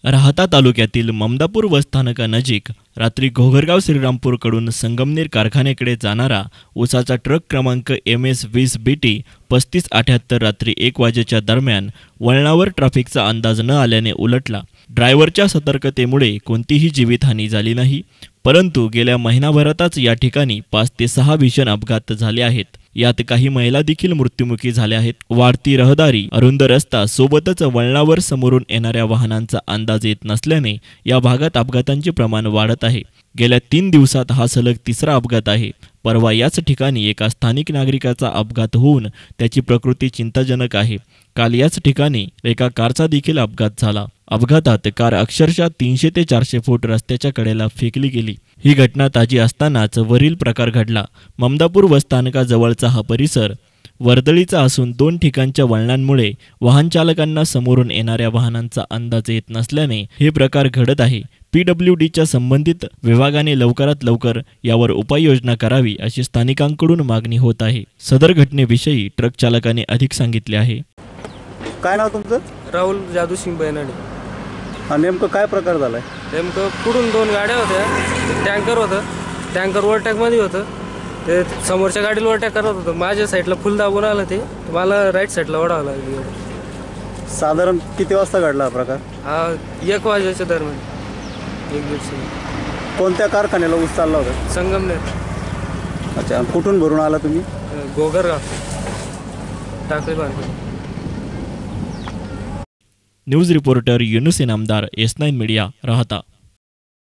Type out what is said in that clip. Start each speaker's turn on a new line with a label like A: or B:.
A: राहाता तालुक्यातील ममदापूर बसस्थानकानजीक रात्री घोगरगाव श्रीरामपूरकडून संगमनेर कारखान्याकडे जाणारा ऊसाचा ट्रक क्रमांक MS 20 BT 3578 रात्री 1 वाजेच्या दरम्यान वळणावर ट्रॅफिकचा अंदाज न आल्याने उलटला। ड्रायव्हरच्या सतर्कतेमुळे कोणतीही जीवितहानी झाली नाही, परंतु गेल्या महिनाभरातच या ठिकाणी 5 ते 6 भीषण अपघात झाले आहेत। यात काही महिला देखील मृत्युमुखी झाल्या आहेत। वाढती रहदारी, अरुंद रस्ता सोबतच वळणावर समोरून येणाऱ्या वाहनांचा अंदाज येत नसल्याने या भागात अपघातांचे प्रमाण वाढत आहे। गेल्या 3 दिवसात हा सलग तिसरा अपघात आहे। परवा याच ठिकाणी एका स्थानिक नागरिकाचा अपघात होऊन त्याची प्रकृती चिंताजनक आहे। काल याच ठिकाणी एका कारचा देखील अपघात झाला। अपघातात कार अक्षरशः 300 ते 400 फूट रस्त्याच्या कडेला फेकली गेली। ही घटना ताजी असतानाच वरील प्रकार घडला। ममदापूर बसस्थानकाजवळचा हा परिसर वर्दळीचा असून 2 ठिकाणच्या वळणांमुळे वाहन चालकांना समोरून येणाऱ्या वाहनांचा अंदाज येत नसल्याने हे प्रकार घडत आहे। PWDच्या संबंधित विभागाने लवकरात लवकर यावर उपाययोजना करावी अशी स्थानिकांकडून मागणी होत आहे। सदर घटनेविषयी ट्रक चालकाने अधिक सांगितले आहे।
B: काय नाव तुमचं?
C: राहुल जादूसिंग बैनाडे।
B: नेमकं काय प्रकार झालाय?
C: नेमकं पुढून 2 गाड्या होत्या, टँकर होतं, टँकर ओव्हरटॅकमध्ये होतं, ते समोरच्या गाडीला ओव्हरटॅक करत होतं। माझ्या साईडला फुल दाबून आलं, ते मला राईट साईडला ओढावं लागलं।
B: साधारण किती वाजता घडला हा प्रकार?
C: हा 1 वाजेच्या दरम्यान, 1:30.
B: कोणत्या कारखान्याला ऊस चालला होता?
C: संगमनेर।
B: अच्छा, कुठून भरून आला तुम्ही?
C: Ghogargaon Takli market.
A: News reporter Yunus Inamdar, S9 media, राहता।